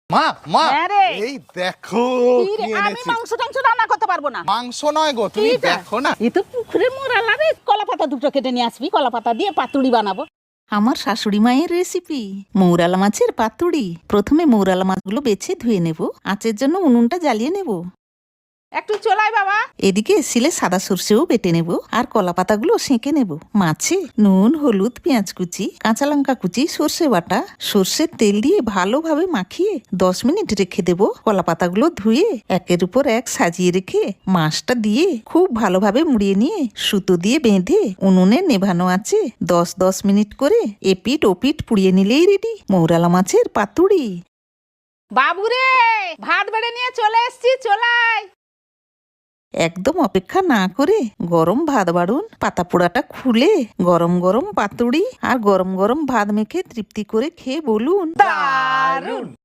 মা মা হ্যাঁ রে। এই দেখো কি রে, কি আমি এনেছি। মাংস টাংস রান্না করতে পারবো না। মাংস নয় গো, তুমি এইটা? দেখো না। এ তো পুকুরে মোরালা রে। কলা পাতা দুটো কেটে নিয়ে আসবি, কলা পাতা দিয়ে পাতুড়ি বানাবো। আমার শাশুড়ি মায়ের রেসিপি মৌরালা মাছের পাতুড়ি। প্রথমে মৌরালা মাছগুলো বেছে ধুয়ে নেব, আঁচের জন্য উনুনটা জ্বালিয়ে নেব। একটু চলাই বাবা। এদিকে শিলে সাদা সর্ষেও বেটে নেব আর কলা পাতাগুলো সেঁকে নেব। মাছে নুন, হলুদ, পেঁয়াজ কুচি, কাঁচা লঙ্কা কুচি, সর্ষে বাটা, সর্ষের তেল দিয়ে ভালোভাবে মাখিয়ে 10 মিনিট রেখে দেব। কলা পাতাগুলো ধুয়ে একের উপর এক সাজিয়ে রেখে মাছটা দিয়ে খুব ভালোভাবে মুড়িয়ে নিয়ে সুতো দিয়ে বেঁধে উনুনে নেভানো আছে 10 মিনিট করে এপিট ওপিট পুড়িয়ে নিলেই রেডি মৌরালা মাছের পাতুড়ি। বাবু রে, ভাত বেড়ে নিয়ে চলে এসছি, চলাই। একদম অপেক্ষা না করে গরম ভাত বাড়ুন, পাতা পোড়াটা খুলে গরম গরম পাতুড়ি আর গরম গরম ভাত মেখে তৃপ্তি করে খেয়ে বলুন দারুণ।